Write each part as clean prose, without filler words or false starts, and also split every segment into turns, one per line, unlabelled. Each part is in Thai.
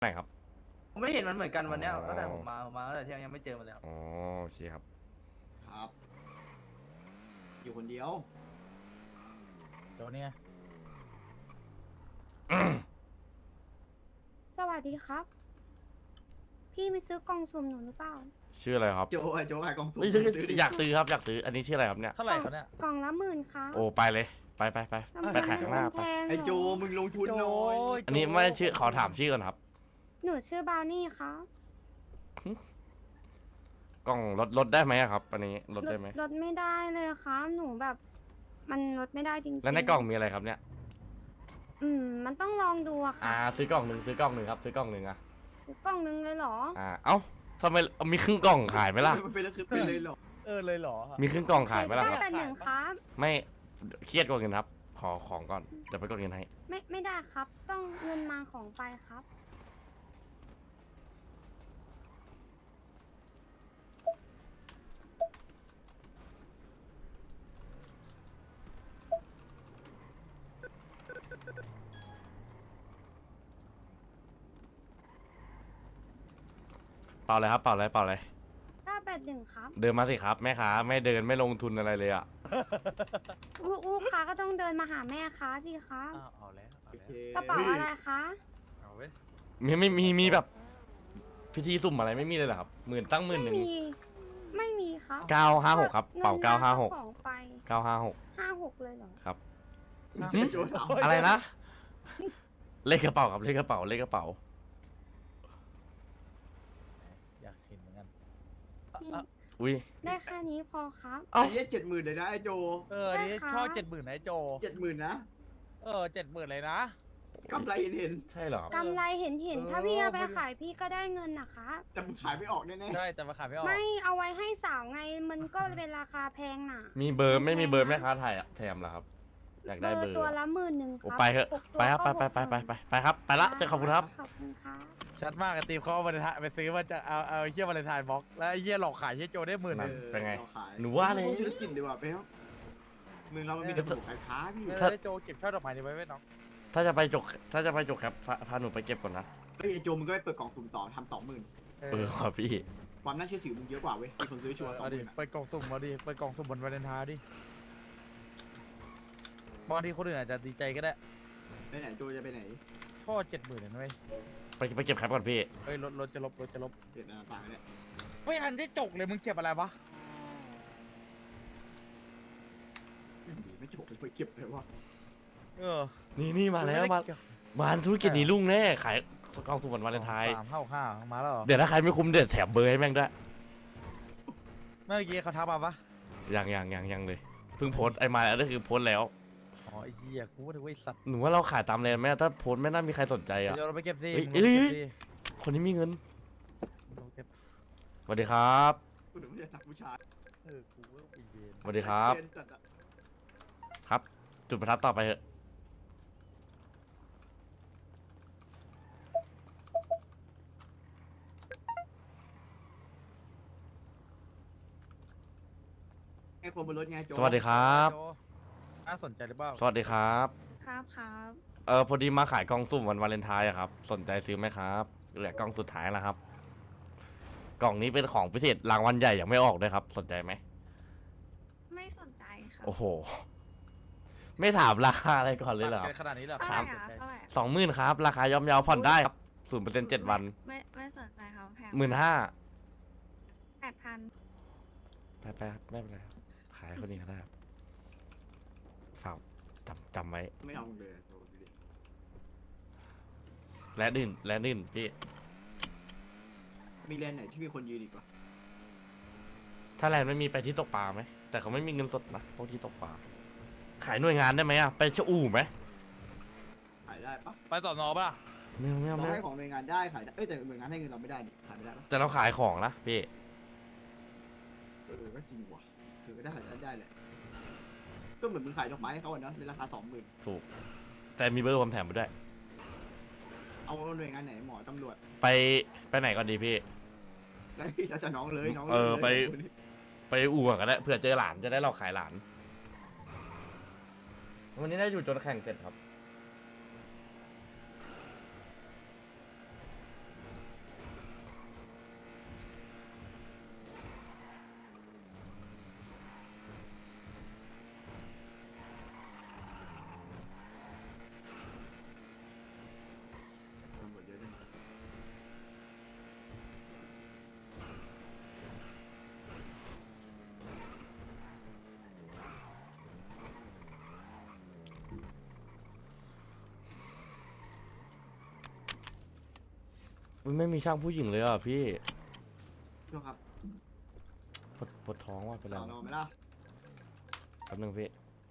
ไหนครับ
ผมไม่เห็นมันเหมือนกันวันเนี้ย
อ๋อ
ตั้งแต่ผมมาตั้งแต่เที่ยงยังไม่เจอมันเลยครับ
อ๋อโอเคครับ
ครับ อยู่คนเดียว
โจเนี่ย
สวัสดีครับ พี่ไปซื้อกล่องสุ่มหนูหรือเปล่า
ชื่ออะไรครับ
โจขายกล่องสุ่ม
เอ้ย
ซื้ดิ
อยากซื้อครับอยากซื้ออันนี้ชื่ออะไรครับเนี่ย
เท่าไหร่เขาเนี่ย
กล่องละ10,000ครับ
โอ้ไปเลยไปไปขายข้างหน้า
มัน
ไป
แพง
ไอโจ
เหรอ
มึงลงทุนหน่อย
อันนี้ไม่ชื่อขอถามชื่อก่อนครับ
หนูชื่อบราวนี่ครับ
กล้องลดได้ไหมอะครับ อันนี้ลดได้ไหม
ลดไม่ได้เลยครับ หนูแบบ มันลดไม่ได้จริงๆ
แล้วในกล่องมีอะไรครับเนี่ย
มันต้องลองดูอะค่ะ
ซื้อกล่องหนึ่งครับซื้อกล่องหนึ่งอะ
ซื้อกล่องนึงเลยเหรอ
เอ้าทำไมมีครึ่งกล่องขายไหมล่ะ
มันเป็นแล้วคือเป็นเลยเหรอ
เลยเหรอ
มีครึ่งกล่องขายไหมล่ะครับ
981ครับ
ไม่เครียดกว่าเงินครับ ขอของก่อนเดี๋ยวไปกดเงินให้
ไม่ได้ครับ ต้องเงินมาของไปครับ
เปล่าเลยครับเปล่าเลย
981ครับ
เดินมาสิครับแม่ค้าไม่เดินไม่ลงทุนอะไรเลยอะ
ลูกค้าก็ต้องเดินมาหาแม่ค้าสิครับ
เอาแล้ว
โอเค
กระเป๋าอะไรคะ
เอาเว้ย
มีแบบ พิธีสุ่มอะไรไม่มีเลยเหรอครับตั้งหมื่นหนึ่ง
ไม่มีครับ
956ครับเป่า
งินมอของไป
956
56เลยเหรอ
ครับ
ไอโจถาม
อะไรนะ เลขกระเป๋าครับเลขกระเป๋า
อยากเห็นเหมือนกัน
อุ้ย
ได้แค่นี้พอครับ
เอ้า
ไอ้เนี้ย70,000เลยนะไอโจ
นี่
ใช่ค่ะ
ชอบ70,000นะไอ้โจ
70,000นะ
70,000เลยนะ
กำไรเห็น
ใช่เหรอครับ
กำไรเห็นถ้าพี่เอาไปขายพี่ก็ได้เงินนะคะ
ๆแต่มึงขายไม่ออกแน่
ใช่แต่มาขายไม่ออก
ไม่เอาไว้ให้สาวไงมันก็เป็นราคาแพงน่ะ
มีเบอร์ไม่มีเบอร์แม่ค้าไทยอะแถมเหรอครับ อยากได้เบอร์
ตัวละ11,000ค
โอ้
รับ
ไปเถอะ
หกตัว
ไปครับ
ก็
ไปครับไปละขอบคุณครับ
ขอบคุณครับ
ชัดมากไอ้ตีมเขาเอาวันไปซื้อมาจะเอาไอ้เหี้ยวาเลนไทน์บล็อกแล้วไอ้เหี้ยหลอกขายเหี้ยโจได้10,000
นั่
นึ
น
ง
เป็นไง
ราขาย
หนูว่าเลย
พกธุรกิจดีกว่าเป๊ะเมืองเรามันมีแต่ปลูกขายค้าพี่
ไอ้โจเก็บช่อดอกไม้นี้ไว้ไว้น้อง
ถ้าจะไปจกครับพาหนูไปเก็บก่อนนะ
เฮ้ยไอโจมึงก็ไปเปิดกล่องสุ่มต่อทำ20,000
ว่ะพี่
ความน่าเชื่อถือมึงเยอะกว่าเว้ยมีคนซื้อชัวร์
เอาดิ
20,000อะ
เปิดกล่องสุ่มมาดิเปิดกล่องสุ่มบนวาเลนไทน์ดิบางทีคนอื่นอาจจะดีใจก็ได้
ไปไหนโจจะไปไหน
พ่อ70,000เลยนะเว้ย
ไปเก็บครับก่อนพี่
เฮ้ยรถจะลบ
เปลี่ยนหน้าต่างเนี่ย
ไม่ทันได้จกเลยมึงเก็บอะไรวะ
ไม่จบเลยไปเก็บเลยวะ
นี่มาแล้วมาธุรกิจนี้รุ่งแน่ขายกล่องสุ่มวันวาเลนไทน์
355มาแล้วเหรอ
เดี๋ยวถ้าใครไม่คุ้มเดี๋ยวแถมเบอร์ให้แม่งด้วย
เมื่อกี้เขาทักมาปะ
ยังเลยเพิ่งโพสต์ไอ้มาแล้วก็คือโพสต์แล้ว
อ๋อไอ้เหี้ยกูว่าถึงว่าไอ้สัตว์
หนูว่าเราขายตามเลนไหมถ้าโพสต์ไม่น่ามีใครสนใจอ่ะ
เดี๋ยวเราไปเก็บสิ
เอ้ย
มึงไปเก็บสิ
คนนี้มีเงิน
เราเก็บ
สวัสดีครับ
กูหนูไม่อยากจับผู้ชาย
กูว่าไปเย็น
สวัสดีครับ
เรียนจัดอะ
ครับ จุดประทัดต่อไปเถอะ
ไอ้คนบนรถไงโจ
สวัสดีครับ
โจน่าสนใจหรือเปล่า
สวัสดีครับ
ครับครับ
พอดีมาขายกล่องสุ่มวันวาเลนไทน์อะครับ สนใจซื้อไหมครับเหลือกล่องสุดท้ายแล้วครับ กล่องนี้เป็นของพิเศษรางวัลใหญ่ยังไม่ออกด้วยครับ สนใจไหม
ไม่สนใจค่ะ
โอ้โห ไม่ถามราคาอะไรก่อนเลยเหรอค
ปั
รับ
ดกันขนาดนี้เหรอ
ครับ
สนใจ
20,000ครับ ราคาย่อมเยาผ่อนได้ครับ0% 7 วัน
ไม่สนใจครับแพง
15,000
8,000
ไปครับไม่เป็นไรครับขายคนนี้ก็ได้ครับฝากจำไว้
ไม่เอาเลยโจดูดิ
และนื่นพี่
มีแลนด์ไหนที่มีคนยืนอีกวะ
ถ้าแลนด์ไม่มีไปที่ตกปลาไหมแต่เขาไม่มีเงินสดนะพวกที่ตกปลาขายหน่วยงานได้ไหมอะไปชะอู่ไหม
ขายได้ปะ
ไปสอนอป่ะ
ไม่เอา
เรา
ไม่
ให้
เอา
ของหน่วยงานได้ขายได้แต่หน่วยงานให้เงินเราไม่ได้ดิขายไม่ได้ปะ
แต่เราขายของนะพี่
ก็จริงว่ะถือก็ได้ขายได้แหละก็เหมือนมึงขายดอกไม้ให้เขาอะเนาะในราคา20,000
ถูก แต่มีเบอร์ผมแถมไปด้วย
เอาหน่วยงานไหนหมอตำรวจ
ไปไหนก่อนดีพี่
แล้วพี่เราจะน้องเลยน้อง
เออ
ลย
ไปอู่ก่อนก็ได้เผื่อเจอหลานจะได้เราขายหลาน วันนี้ได้อยู่จนแข่งเสร็จครับไม่มีช่างผู้หญิงเลยอ่ะพี่
ดูครับ
ปวดท้องว่ะเป็นไร
ต่อรอ
วะ
ไหมล่ะ
แป๊บนึงพี่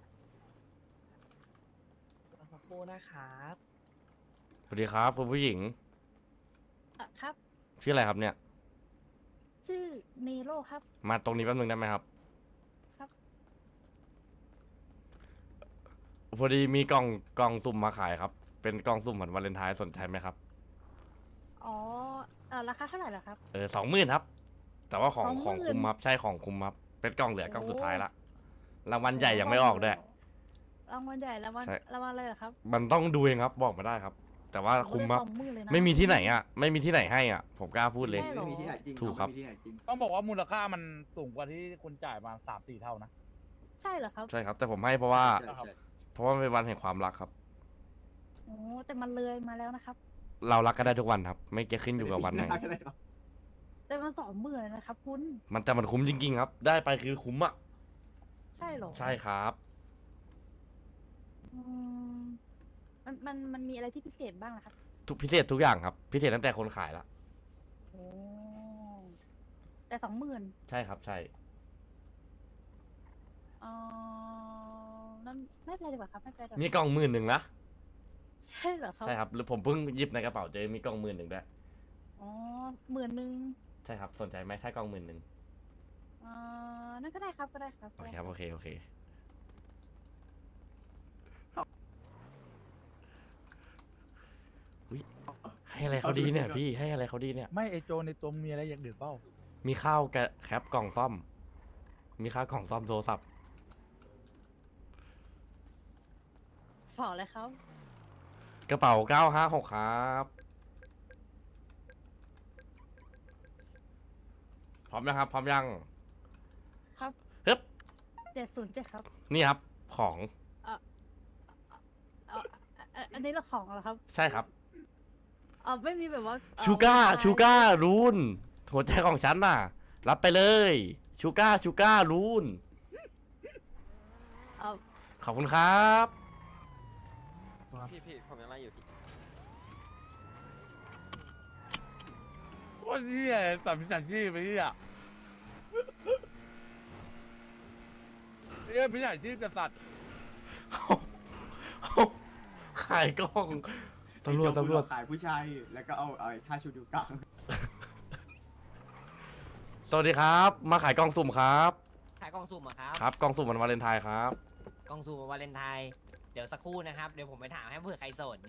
รอสักครู่นะครับ
สวัสดีครับคุณผู้หญิง
ครับ
ชื่ออะไรครับเนี่ย
ชื่อเนโรครับ
มาตรงนี้แป๊บนึงได้ไหมครับ
ครับ
พอดีมีกล่องสุ่มมาขายครับ เป็นกล่องสุ่มเหมือนวาเลนไทน์สนใจไหมครับ
อ๋อราคาเท่าไหร่ล่ะครับ
20,000ครับ แต่ว่าของ
20,000
ของคุมครับใช่ของคุมครับ เป็นกล่องเหลือกล่องสุดท้ายละรางวัลใหญ่ยังไม่ออกด้วย
รางวัลใหญ่รางวัล
ใช่
รางวัลอะไรเหรอครับ
มันต้องดูเองครับบอกมาได้ครับ แต่ว่าคุมครับ
20,000เลยนะ
ไม่มีที่ไหนอ่ะ ไม่มีที่ไหนให้อ่ะ ผมกล้าพูดเลย
ใช่หรอ
ไม่มีที่ไหนจริง
ถูกครับ
ไม่มีที่ไหนจริง
ต้องบอกว่ามูลค่ามันสูงกว่าที่คุณจ่ายมา3-4 เท่านะ
ใช่เหรอครับ
ใช่ครับ แต่ผมให้เพราะว่า
ใช่ใช่
เพราะว่ามันเป็นวันแห่งความรักครับ
โอ้แต่มันเลยมาแล้วนะครับ
เรารักกันได้ทุกวันครับ ไม่เกี่ยวขึ้นอยู่กับวันไหน
ม่ด้ครับ
แต่มัน20,000นะครับคุณ
มันคุ้มจริงๆครับ ได้ไปคือคุ้มอ่ะ
ใช่เหรอ
ใช่ครับ
อืมมันมีอะไรที่พิเศษบ้างนะครับ
ทุกพิเศษทุกอย่างครับ พิเศษตั้งแต่คนขายละ
โอ้แต่20,000
ใช่ครับ ใช่
นั่นไม่เป็นไรดีกว่าครับไม่เป็นไรดีกว่า
มีกล่อง11,000นะ
ใช่เหรอครับ
ใช่ครับหรือผมเพิ่งหยิบในกระเป๋าเจอมีกล่อง11,000ด้วย
อ๋อ10,000
ใช่ครับ สนใจไหมถ้ากล่อง11,000
นั่นก็ได้ครับก็ได้ครับ
โอเคครับ โอเค โอเค อุ๊ยให้อะไรเขาดีเนี่ยพี่ ให้อะไรเขาดีเนี่ย
ไม่ไอโจในตัวมึงมีอะไรอย่างอื่นเปล่า
มีข้าวแคปกล่องซ่อม มีข้าวกล่องซ่อมโทรศัพท์
ขอเลยครับ
กระเป๋า956ครับ พร้อมยังครับ พร้อมยัง
ครับ
ฮึบ
707ครับ
นี่ครับ ของ
อันนี้เราของเหรอครับ
ใช่ครับ
ไม่มีแบบว่า
ชูก้า
ไม่ได้
ชูก้ารูนหัวใจของฉันน่ะ รับไปเลย ชูก้ารูน
เอ่อ
ขอบคุณครับ
พี่ผมยังไล่อยู่พี่
โอ้ยเฮียสัมผัสที่ไปเฮียพิจารที่กษัตริย์
ขายกล้องตำรวจ
ขายผู้ชายแล้วก็เอาไอ้ท่าชุดอยู่กลาง
สวัสดีครับ มาขายกล่องสุ่มครับ
ขายกล่องสุ่มเหรอครับ
ครับกล่องสุ่มวันวาเลนไทน์ครับ
กล่องสุ่มวาเลนไทน์เดี๋ยวสักครู่นะครับ เดี๋ยวผมไปถามให้เผื่อใครสน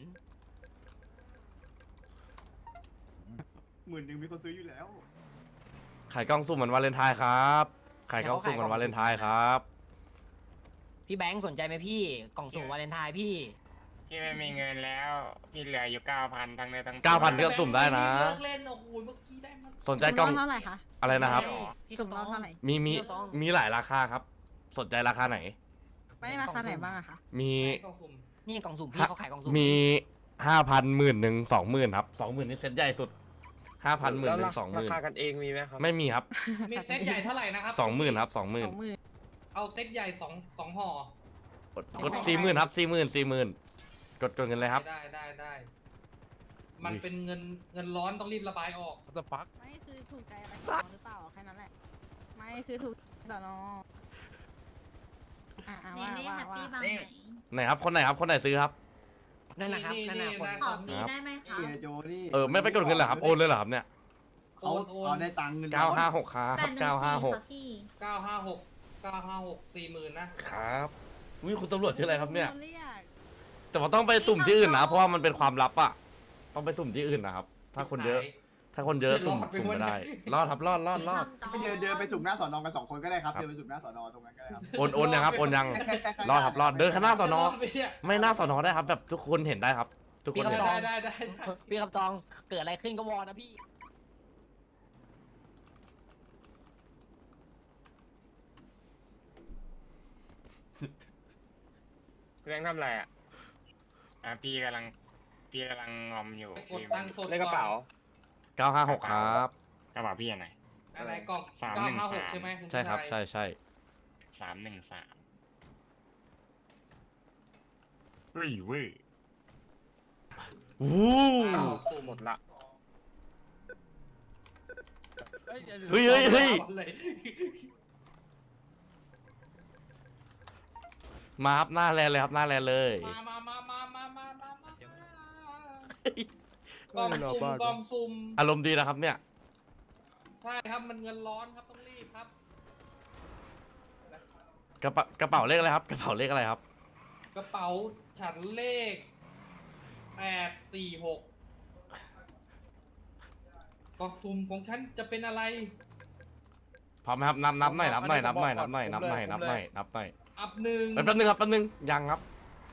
10,000มีคนซื้ออยู่แล้ว
ขายกล่องสุ่มวันวาเลนไทน์ครับขายกล่องสุ่มวันวาเลนไทน์ครับ
พี่แบงค์สนใจไหมพี่ กล่องสุ่มวาเลนไทน์พี่
พี่ไม่มีเงินแล้ว พี่เหลืออยู่ 9,000 ทั้งเนื้อทั้งตัว
9,000เลือกสุ่มได้นะ
เล่นโอ้โหเมื่อกี้ได้มัน
สนใจกล่อง
เท่าไหร่คะ
อะไรนะครับ
พี่
สุ่ม
ต้
ร
อ
อบ
ง
เท่าไหร่
มี
ไม่ต้อง
มีหลายราคาครับ สนใจราคาไหน
ไม่ราคาไหนบ้างอะคะ
มี
นี่กล่องสุ่มพี่เขาขายกล่องสุ่ม
มี5,000 10,000 20,000ครับ20,000นี่เซ็ตใหญ่สุด5,000
แล้ว
10,000
ราคา
20,000
กันเองมีไหมครับ
ไม่มีครับ
มีเซตใหญ่เท่าไหร่นะครับ
20,000ครับ20,000
เอาเซตใหญ่สองห่อก
ด40,000ครับ40,000กดเงินเลยครับ
ได้มันเป็นเงินร้อนต้องรีบระบายออก
สปัก
ไม่คือถูกใจอะไรของเราหรือเปล่าแค่นั้นแหละ ไม่คือถูกต่อนอว่า
ไหนครับคนไหนครับคนไหนซื้อครับ
นั่นนะครับนั่นนะคน
ขอฟรีได้ไหมคะ
นี่ไอ้โจนี่
ไม่ไปกดเงินเหรอครับโอนเลยเหรอครับเนี่ย
เขา
โอน
เอาได้ตังค์เงิน
956ครับ956
956 40,000นะครับ
วิคุณตำรวจชื่ออะไรครับเนี่ย แต่ว่าต้องไปสุ่มที่อื่นนะ เพราะว่ามันเป็นความลับอะต้องไปสุ่มที่อื่นนะครับ ถ้าคนเยอะ สุ่มไม่ได้ รอดครับรอด
ไปเดินไปสุ่มหน้าสอนอกัน2 คนก็ได้ครับเดินไปสุ่มหน้าสอนอตรงนั้นก็ได้ครับ
โอนยังครับโอนยัง
แค่
รอดครับรอดเดินข้างหน้าสอนอ
ไปเนี่ย
ไม่หน้าสอนอได้ครับ แบบทุกคนเห็นได้ครับ ทุกคนเห็น
ได้
พี่คำตองเกิดอะไรขึ้นก็วอนะพี่
เรื่องทำอะไรอ่ะพี่กำลังงอมอยู่
กดตังค์สด
ในกระเป๋า
956ครับ
กระเป๋าพี่อันไหน
อะไรกล่อง
313
956ใช่ไหมณ
ใช่ครับ
ชาย
ใช่
313เฮ้ยเว้ย
วู้
อ้าวสุ่ม
หมดละ
เฮ้ยดี๋ว
เฮ้ยเฮ้ยเฮ้ย
เลย
มาครับหน้าแลนเลยครับหน้าแลนเลย
มากล่องซุ่มกล่องซุ่ม
อารมณ์ดีนะครับเนี่ย
ใช่ครับมันเงินร้อนครับต้องรีบครับ
กระเป๋าเลขอะไรครับ กระเป๋าเลขอะไรครับ
กระเป๋าฉันเลข846กล่องซุ่มของฉันจะเป็นอะไร
พร้อมไหมครับนับหน่อยนับหน่อยนับหน่อยนับหน่อยนับหน่อยนับหน่อยนับหน่อย
อัพหนึ่ง
แป๊บนึงครับแป๊บนึงยังครับ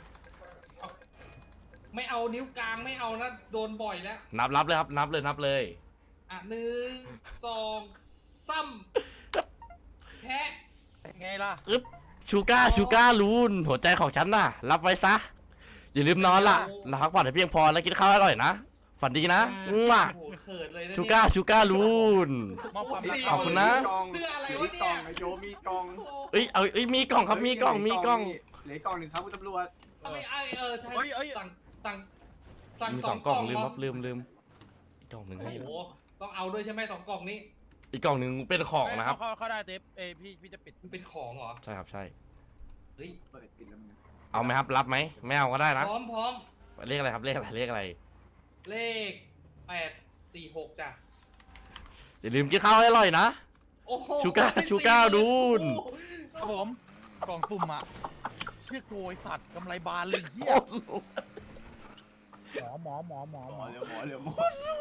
ไม่เอานิ้วกลางไม่เอานะโดนบ่อยแล้ว
นับเลยครับนับเลย
อ่ะ1 2 3แพะ
ไงล่ะ
ชูก้าลูนหัวใจของฉันน่ะ รับไว้ซะ อย่าลืมนอนล่ะหลับพักผ่อนให้เพียงพอแล้วกินข้าวอร่อยนะ ฝันดีนะมั่ว
โอ้โหเขินเลยนะ
ชูก้าลูน
มอบความรัก
ขอบคุณนะ
เพื่ออะไร
มี
วะ
กล่
เนี่
อย งไอโจมีกล่อง
เอ้ยมีกล่องครับมีกล่อง
เหลือกล่องหนึ่งครับคุณตำรวจ
ทำไมใช่
เอ้ย
สั่ง
มี
ส
ส
อ
อง ง
ก
ก
ล่
ล่
อ
อง งลืม
เห
ค
ร
รับลืมอีกกล่องหนึ่ง
โอ้
ให้
โหต้องเอาด้วยใช่ไหม2 กล่องนี้
อีกกล่องหนึ่งเป็นของนะครับ
เข้าได้เทปพี่จะปิด
มันเป็นของเหรอ
ใช่ครับใช่
เฮ้ย
เปิดปิดแล้วมึง
เอาไหมครับรับไหมไม่เอาก็ได้นะ
พร้อม
เลขอะไรครับเลขอะไร
เลข846จ้ะ
อย่าลืมกินข้าวให้อร่อยนะ
โอ้โห
ชูก้าดูน
ครับผมกล่องสุ่มอ่ะเชี่ยโกยสัตว์กำไรบานเลยเฮียหมอ
หมอเร็ว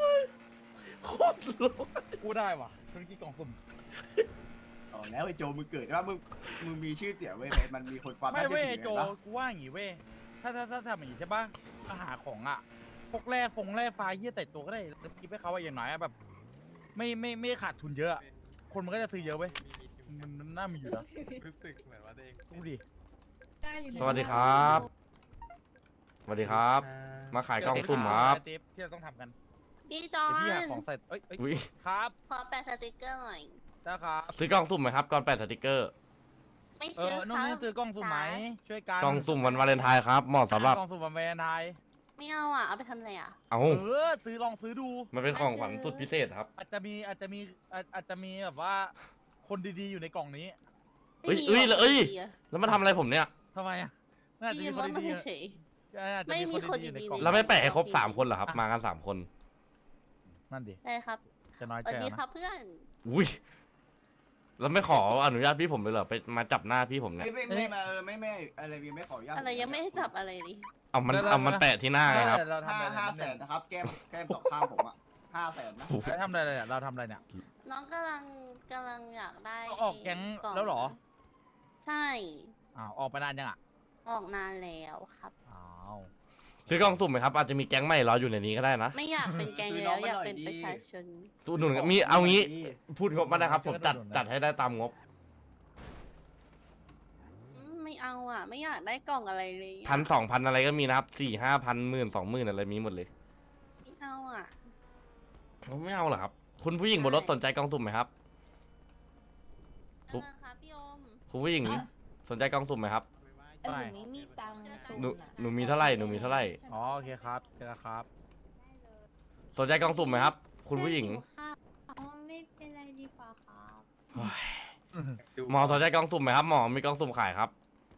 กูได้ว่ะธุรกิจกล่องสุ่ม
อ๋อแล้วไอโจมึงเกิดว่ามึงมีชื่อเสียงเว้ยมันมีคนความ
ไม่เว้ย
น่าชื่อถือ
โจ
ไงปะ
กูว่าอย่างงี้เว้ยถ้าทำอย่างงี้ใช่ปะมาหาของอ่ะพวกแร่ไฟเฮียใส่ตัวก็ได้แล้วกินให้เขาอะอย่างน้อยอะแบบ ไม่ขาดทุนเยอะอะคนมันก็จะซื้อเยอะเว้ยมันน่ามีอยู่นะ
รู้สึกเหมือนว่าตัวเอง
ดูดิ
สวัสดีครับสวัสดีครับ มาขายกล่องสุ่มครับ
เทปที่เราต้องทำกัน
พี่จอ
เดี๋ยวพี่หา
ห์
ของ
น
ใส่เอ้ย
อุ๊ย
ครับ
ขอแปะสติกเกอร์หน่อย
ได้ครับ
ซื้อกล่องสุ่มไหมครับก่อนแปะสติกเกอร์
ไม่
เอ
ซื้อ
อน้อง
ครั
นี่ซื้อกล้องสุ่มไหมช่วยกัน
กล่องสุ่มวันวาเลนไทน์ครับเหมาะสำหรับ
กล้องสุ่มวันวาเลนไทน์
ไม่เอาอ่ะ เอาไปทำอะไรอ่ะ
เอา
ลองซื้อดู
มันเป็นของขวัญสุดพิเศษครับ
อาจจะมีแบบว่า คนดีๆอยู่ในกล่องนี้
เอ้ย
ไม่มีหรก
เอ้ย
ดีอะ
แล้วมาทำอะไรผมเนี่ย
ทำไมอ่ะน่าจะ
พี่
มี
ยืม
ค
ร
น
ถมา
ดี
เฉย
ๆอาจจะ
ไม่มีคน
ๆอยู่ใน
ดีๆ
กล่อง
เราไม่แปะให้ครบ3 คนเหรอครับ มากัน3 คน
นั่นดิ
ๆได้ครับ
จะน้อย
สวั
ใจ
สดี
นะ
ครับเพื่อน
อุ้ยแล้วไม่ขออนุญาตพี่ผมเลยเหรอไปมาจับหน้าพี่ผมเนี่ย
ไม่มาไม่อะไรยังไม่ขออนุญาต
อะไรยังไม่ให้จับอะไรเลย
เอามันแปะที่หน้าไงครับ
เราทำอะไร
500,000นะครับแก้มสองข้างผมอ่ะ500,000นะ
ทำอะไรเนี่ยเราทำอะไรเนี่ย
น้องกำลังอยากได้
ออกแก๊ง
ล่
แล้วเหรอ
ใช่
อ้าวออกไปนานยังอ่ะ
ออกนานแล้วครับ
อ้าว
ซื้อกล่องสุ่มไหมครับอาจจะมีแก๊งใหม่รออยู่ในนี้ก็ได้นะ
ไม่อยากเป็นแกงแล้วอยากเป็นประชาชน
ตู้หนุนมีเอางี้พูดงบมานะครับผมจัดให้ได้ตามงบ
ไม่เอาอ่ะ ไม่อยากได้กล่องอะไรเลยอะ
1,000 2,000อะไรก็มีนะครับ4,000 5,000 10,000 20,000อะไรมีหมดเลย
ไม่เอาอ่ะ
ไม่เอาเหรอครับ คุณผู้หญิงบนรถสนใจกล่องสุ่มไหมครับ ปุ๊บ
ครับพี่อม
คุณผู้หญิงสนใจกล่องสุ่มไหมครับ
หนูไม่มีตังค์
หนูมีเท่าไหร่หนูมีเท่าไหร่
อ๋อโอเคครับเจอกันครับ
สนใจกล่องสุ่มไหมครับ คุณผู้หญิง
อ๋อไม่เป็นไรดีกว่าครับ
หมอสนใจกล่องสุ่มไหมครับหมอมีกล่องสุ่มขายครับ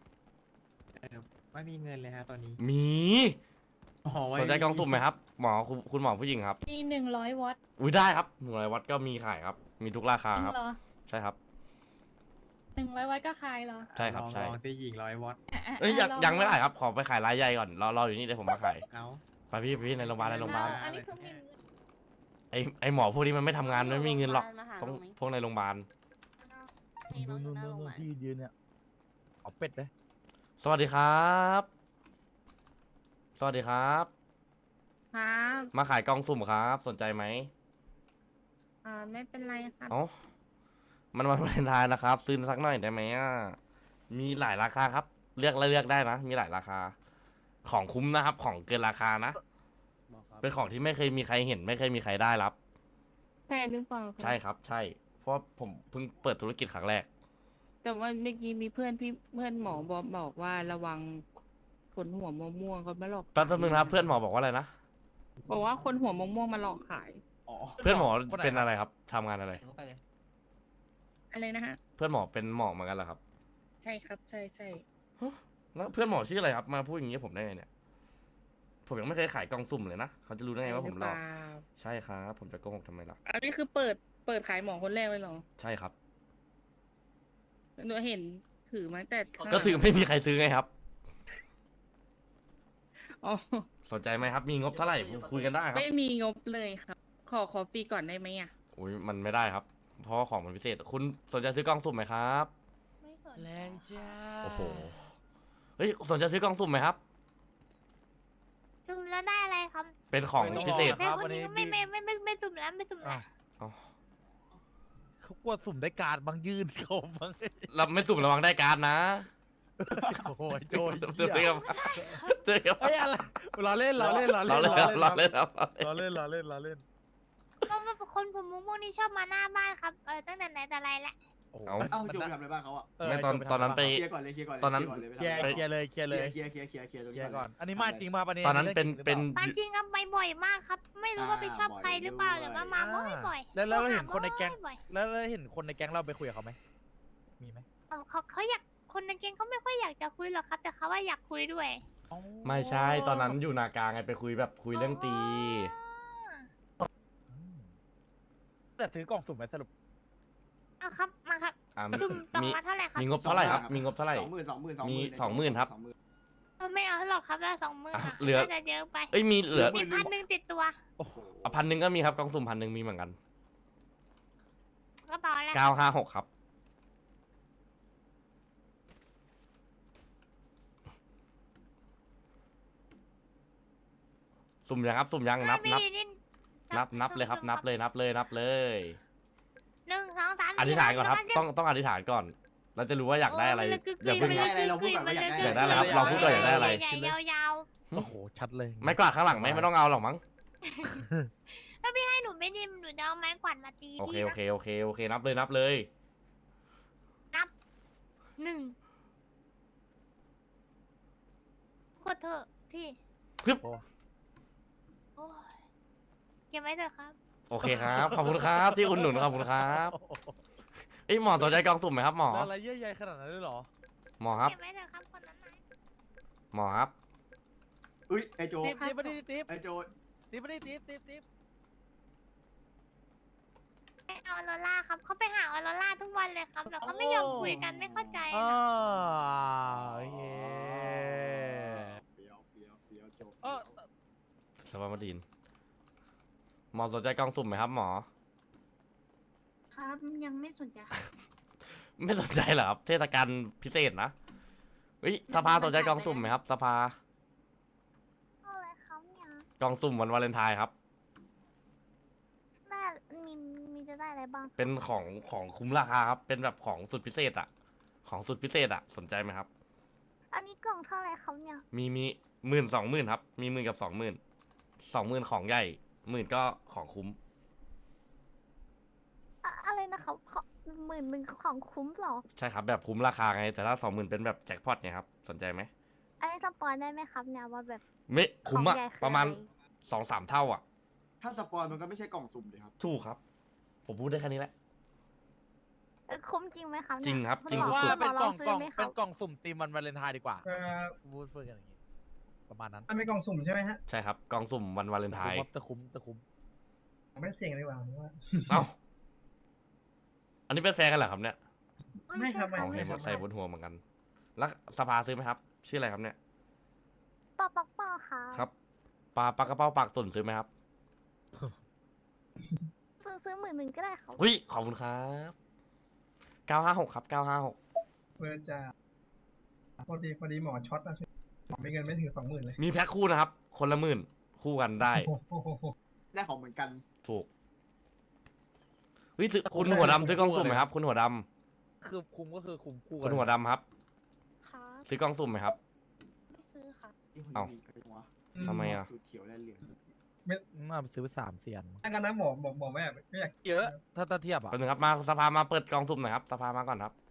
ไม่มีเงินเลยฮะตอนนี้
มี
อ๋อไว้
สนใจกล่องสุ่มไหมครับหมอคุณหมอผู้หญิงครับ
มี100 วัตต์
อุ้ยได้ครับ100 วัตต์ก็มีขายครับ มีทุกราคา
จริง
ครับ
เหรอ
ใช่ครับ
100 วัตต์ก็ขายเหรอ
ใช่ครับใช่
ลองสิหญิง100 วัตต์
ะ
เอ้ย
ล
ยังไม่ขายครับขอไปขายรายใหญ่ก่อนรออยู่นี่เดี๋ยวผมมาขาย
เอา
ไปพี่ในโรงพยาบาลในโรงพยาบาล
อันนี้คือมี
ไอหมอพวกนี้มันไม่ทำงานไม่มีเงินหรอก
มาหา
ต้อง
น้ไหม
พวกในโรงพยาบาล
ให้น้องอยู่หน้าโรงพยาบาล
ที่ยืนเนี่ยเอาเป็ดเลย
สวัสดีครับ สวัสดีครับ
ครับ
มาขายกล่องสุ่มครับ สนใจไหม
ไม่เป็นไรครับ
เอ้ามันวันวาเลนไทน์นะครับ ซื้อสักหน่อยได้ไหมอ่ะมีหลายราคาครับ เลือกได้นะ มีหลายราคา ของคุ้มนะครับ ของเกินราคานะ เป็นของที่ไม่เคยมีใครเห็น ไม่เคยมีใครได้รับ
ใช่หรือเปล่าคะ
ใช่ครับ ใช่ เพราะผมเพิ่งเปิดธุรกิจครั้งแรก
แต่ว่าเมื่อกี้มีเพื่อนหมอบอกว่าระวังคนหัวม่วงๆเขามาหลอก
แป๊บนึงนะครับเพื่อนหมอบอกว่าอะไรนะ
บอกว่าคนหัวม่วงมาหลอกขาย
อ
อ๋อ
เพื่อนหมอ
คนไหน
เป็นอะไรครับทำงานอะไร
อะไรนะฮะ
เพื่อนหมอเป็นหมอเหมือนกันเหรอครับ
ใช่ครับ ใช่ใช่
แล้วเพื่อนหมอชื่ออะไรครับมาพูดอย่างนี้กับผมได้ไงเนี่ยผมยังไม่เคยขายกล่องสุ่มเลยนะเขาจะรู้ได้ไงว่าผมหลอก
ใช่รือเปล่า
ใช่ครับผมจะโกหกทำไมล่ะ
อันนี้คือเปิดขายหมอคนแรกเลยเหรอ
ใช่ครับ
หนูเห็นถือมาตั้งแต่ข้างห
ก็
ลัง
ถึงไม่มีใครซื้อไงครับ
อ๋อ
สนใจไหมครับ มีงบเท่าไหร่คุยกันได้ครับ
ไม่มีงบเลยครับ ขอฟรีก่อนได้ไหมอ่ะ
อุ้ยมันไม่ได้ครับ เพราะว่าของมันพิเศษ คุณสนใจซื้อกล่องสุ่มไหมครับ
ไม่สน
แรงจ้า
โอ้โห เฮ้ยสนใจซื้อกล่องสุ่มไหมครับ
สุ่มแล้วได้อะไรครับ
เป็นของพิเศษ
แม่คนนี้ไม่สุ่มแล้วไม่สุ่มแล้ว
อ๋อ
เขากลัวสุ่มได้การดบางยื่นเขาบาง
เราไม่สุ่มระวังได้การดนะ
โอ้ยโจย
เตือนครับเตือนครับ
เฮ้ยอะไรเราเล่น
เราเล่นครับเราเล่นครับ
เราเล่น
ก็คนผมมุ้งพวกนี้ชอบมาหน้าบ้านครับตั้งแต่ไหนแต่ไรแล้ว
เอา
เอ้าโจไปทำอะไรบ้างเขาอ่ะ
ไม่ตอนนั้นไป
เคลียร์ก่อนเลยเคลียร์ก่อนเลย
ตอนนั้น
เคลียร์ก่อนเลย
เคลียร์เลย
เคลียร์ตรง
เคลี
นี้
ยร์ก่อน อันนี้มาจริงมาปะเนี่ย
ตอนนั้นเป็น
มาจริงครับไปบ่อยมากครับ ไม่รู้ว่าไปชอบใครหรือเปล่าแต่ว่ามาบ่อย
แล้วเราเห็นคนในแก๊ง
บ่อย
แล้วเห็นคนในแก๊งเราไปคุยกับเขาไหมมีไหม
เขาอยากคนในแก๊งเขาไม่ค่อยอยากจะคุยหรอกครับ แต่เขาว่าอยากคุยด้วย
ไม่ใช่ตอนนั้นอยู่นากลางไงไปคุยแบบคุยเรื่องตี
แต่ซื้อกล่องสุ่มไหมสรุป
เอาครับมาครับ
อ่ะ
ซุ่มตอง
มี
มาเท่าไหร่ครับ
มีงบเท่าไหร่ครับ มีงบเท่าไหร่
20,000
มี20,000ครับ
ไม่เอาหรอกครับได้20,000
อ่ะ
อ่ะ
เหลือ
น่าจะเยอะไป
เอ้ยมีเหลือ
มี1,000ติดตัว
โอ้โห
เอา1,000ก็มีครับกล่องสุ่ม1,000มีเหมือนกัน
กระเป๋าอะไร
956ครับสุ่มยังครับสุ่มยังนับเลยครับนับเลย
1 2 3
อธิษฐานก่อนครับ ต้องอธิษฐานก่อน เราจะรู้ว่าอยากได้อะไรอย่าเพิ่ง
ได้อะไรเราพูดก่อนว่าอยากได้
อยากได้อะไรครับเราพูดก่อนอยากได้อะไร
ใหญ่ๆยาว
โอ้โหชัดเลย
ไม่กวาดข้างหลังไหมไม่ต้องเอาหรอกมั้ง
ๆถ้าพี่ให้หนูไม่ดีหนูจะเอาไม้กวาดมาตี
โอเค
พี่
โอ
นะ
เคนับเลย
1กดเถอะพี่
ปึ๊บ
โอ้ยเก็บไว้เถอะครับ
โอเคครับขอบคุณครับที่อุ่นหนุนขอบคุณครับเอ้ยหมอสนใจกล่องสุ่มไหมครับหมอ
อะไรเยอะใหญ่ขนาดนั้นเลยเหรอ
หมอครับ
เก็บไว้เถอะครับคนนั้นนะ
หมอครับ
อุ้ยไอโจ
ติ๊บมาดิติ๊บ
ไอโจ
ติ๊บมาดิติ๊บ
ไม่เอาออโรล่าครับเขาไปหาออโรล่าทุกวันเลยครับแล้วเขาไม่ยอมคุยกันไม่เข้าใจ
อ๋อ
นะ
โอเค
เฟี้ยวโจ
เออ
สวัสดีหมอสนใจกล่องสุ่มไหมครับหมอ
ครับยังไม่สนใจครับ
ไม่สนใจเหรอครับเทศกาลพิเศษนะเฮ้ยสภาสนใจกล่องสุ่มไหมครับสภา
เอาอะไรครับเนี่ย
กล่องสุ่มวันวาเลนไทน์ครับ
ได้มีจะได้อะไรบ้าง
เป็นของคุ้มราคาครับเป็นแบบของสุดพิเศษอะของสุดพิเศษอะสนใจไหมครับ
อันนี้กล่องเท่าไรครับเนี่ย
มี10,000 20,000ครับมี10,000กับ20,000ของใหญ่10,000ก็ของคุ้ม
อะไรนะครับ11,000ของคุ้มหรอ
ใช่ครับแบบคุ้มราคาไงแต่ถ้า20,000เป็นแบบแจ็คพอตไงครับสนใจไหม
อันนี้สปอยได้ไหมครับเนี่ยว่าแบบ
ไม่คุ้มอะ
ของใหญ่คือ
ประมาณ
อะไร
2-3 เท่าอะ
ถ้าสปอยมันก็ไม่ใช่กล่องสุ่มเลยครับ
ถูกครับ ผมพูดได้แค่นี้แหละ
คุ้มจริงไหมครับเนี่ย
จริงครับจริง
ณหมอ
สุด
ว่าเป็นกล่อง
ซื้
กล่อง
ไหมค
เป็
รับ
นกล่องสุ่มตีมวันวาเลนไทน์ดีกว่า
เอ่อ
พูดกันอย่างนี้ประมาณนั้น
มันเป็นกล่องสุ่มใช่ไหมฮะ
ใช่ครับกล่องสุ่มวันวาเลนไทน์
จะคุ้ม
ไม่เสี่ยงดีกว่าผมว่า
เอ้าอันนี้เป็นแฟนกันเหรอครับเนี่ย
ไม่ครับ
เอา
ไม่
เห็น
ครับ
ใส่บนหัวเหมือนกัน แล้วสภาซื้อไหมครับ ชื่ออะไรครับเนี่ย
ปอค่ะ
ครับปลากระเป๋าปากตุ่นซื้อไหมครับ
ซื้อ11,000ก็ได้ครับ
เฮ้ยขอบคุณครับ956ครับ956
เพื่อจะพอดีหมอช็อตนะหมอไม่เงินไม่ถึง20,000เลย
มีแพ็คคู่นะครับ คนละ10,000คู่กันได้
โอ้โห
ได้ของเหมือนกัน
ถูกเฮ้ยซื้อคุณหัวดำซื้อกล่องสุ่มไหมครับ คุณหัวดำ
คือคุ้มก็คือคุ้มคู่กั
คุณหัวดำครับ
ครับ
ซื้อกล่องสุ่มไหมครับ
ไม่ซื้อค่ะ
เอ้า ทำไมอะ
สูตรเขียวและเหลือง
มาซื้อไป3 เสียน
ถ้างั้นนะหมอไม่อยาก
เยอะถ้าเทียบอ่ะ
แป๊บนึงครับมาสภามาเปิดกล่องสุ่มหน่อยครับสภามาก่อนครับ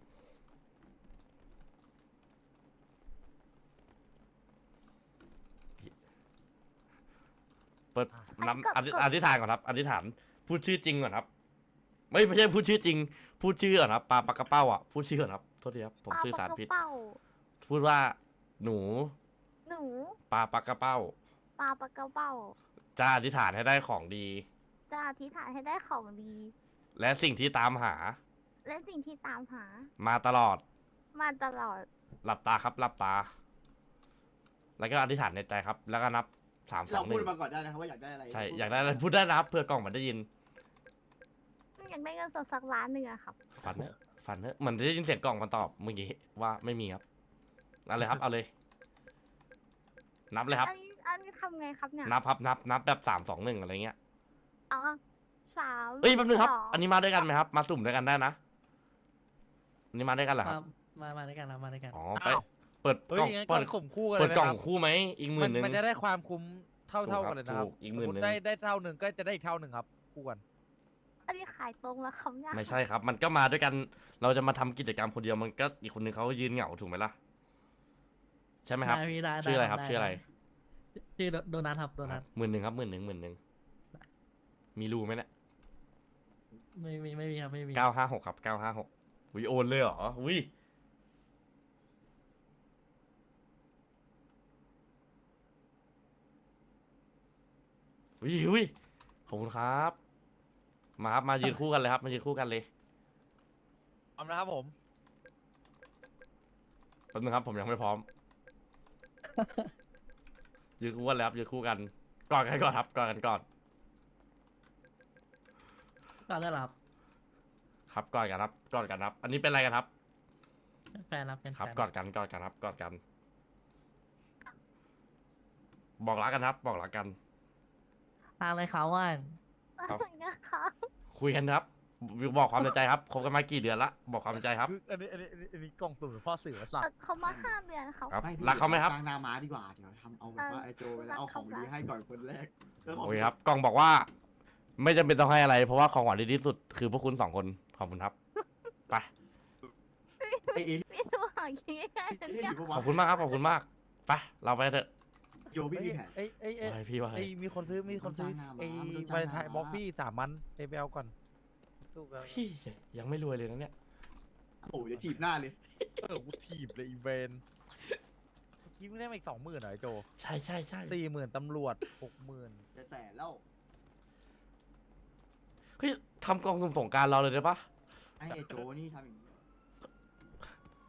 เปิดน้ำอธิษฐานก่อนครับอธิษฐานพูดชื่อจริงก่อนครับ ไม่ใช่พูดชื่อจริง พูดชื่อก่อนครับปลาปากกระเป้าอ่ะพูดชื่อก่อนครับโทษทีครับผมสื่อสารผิด
ปลาปลากระเป้า
พูดว่าหนู
หนู
ปลาปากกระเป้า
ปลาปลากระเป้า
จะอธิษฐานให้ได้ของดี
จะอธิษฐานให้ได้ของดี
และสิ่งที่ตามหา
และสิ่งที่ตามหา
มาตลอด
มาตลอด
หลับตาครับหลับตา แล้วก็อธิษฐานในใจครับ แล้วก็นับสามส
เรา
องห
พู
นึ่
ด
ง
มาก่อนได้นะครับว่าอยากได้อะไร
ใช่อยากได้อะไรพูดได้นะครับเพื่อกล่องมันได้ยิน
อยากได้เงินสดสักล้านหนึ่งอะครับ
ฝันเนอะฝันเนอะเหมือนได้ยินเสียงกล่องมันตอบเมื่อกี้ว่าไม่มีครับเอาเลยครับเอาเลย นับเลยครับ
อันนี้ทำไงครับเนี่ย
นับครับนับแบบ3 2 1อะไรเงี้ย
อ๋อสาม
เอ้ยแป๊บนึงครับ
สง
อันนี้มาด้วยกันไหมครับ มาสุ่มด้วยกันได้นะอันนี้มาด้วยกันเหรอครับ
มาด้วยกันครับมาด้วยกัน
อ๋อไป
อ้าว
เปิด
เฮ้
ก
ย
ล่อง
งั้น
เปิด
ข่มคู่กันเล
เปิ
ย
ด
นะ
กล่อง
ครับ
คู่ไหมอีก10,000
มันจะได้ความคุ้มเท่า
ถูกครับ
กันเลยนะครับ
ถูกอีก
สมมุติ
10,000
ได้เท่าหนึ่งก็จะได้อีกเท่าหนึ่งครับคู่กัน
อันนี้ขายตรงแล้วครับเนี่ย
ไม่ใช่ครับ มันก็มาด้วยกัน เราจะมาทำกิจกรรมคนเดียวมันก็อีกคนนึงเขายืนเหงาถูกไหมล่ะใช่ไหมครับ ชื่ออะไรครับชื่ออะไร
ชื่อโดนัทครับโดนัท
10,000ครับ10,000มีรูไหมเนี่ย
ไม่มีครับไม่มี
956ครับ956วิโอนเลยเหรอวิวิขอบคุณครับ มาครับมายืนคู่กันเลยครับมายืนคู่กันเลย
เอานะครับผม
แป๊บนึงครับผมยังไม่พร้อม ยืนคู่กันเลยครับยืนคู่กันกอดกันก่อนครับกอดกันก่อน
ก็ได้หรอครับ
ครับกอดกันครับกอดกันครับ อันนี้เป็นอะไรกันครับ
แฟนรับเป็น
ครับกอดกันกอดกันครับกอดกัน บอกรักกันครับ บอกรักกัน
ทางเลยเขาว่า
อะไรนะครับ
คุยกันครับ บอกความในใจครับคบกันมากี่เดือนละบอกความในใจครับ
คืออันนี้กล่องสุ่มหรือพ่อสื่อวะสัตว์
เขามา5 เดือนครับ
ครับ
ไม่พี่
รักเขาไหมครับ
กลางนาม้าดีกว่าเดี๋ยวทำเอาแบบว่าไอ้โจไปแล้วเอาของดีให้ก่อนคนแรกแล้วขง
โอเคครับกล่องบอกว่า ไม่จำเป็นต้องให้อะไร เพราะว่าของหวานดีที่สุดคือพวกคุณ2 คนขอบคุณครับไป
ไอ้เอลี่
ไม่รู้หาคิดง่ายๆ
เอ
นะ
ลี่
เนี่ย
อยู่ปะ
ข
วะ
อบคุณมากครับขอบคุณมากไปเราไปเถอะ
โจพี่มีแผน
เอ้ย
ว่าไงพี่ว่าไง
มีคนซื้อไอ้
มันโดนจ้างมา
วา
มันโดน
เล
จ้าง
นไทน์
มา
บล็อกพี่3 มันไปเอาก่อนสู้กัน
พี่ยังไม่รวยเลยนะเนี่ย
โอ้ยเดี๋ยวจีบหน้าเลย
กูถีบเลยอีเวนคิดไม่ได้มาอีก20,000เหรอไอ้โจ
ใช่ใช่ใช่
40,000ตำรวจ60,000
จะแสนแล้ว
เฮ้ยทำกล่องสุ่มสงกรารเราเลยได้ปะ
ไอ้โจนี่ทำอย่างนี้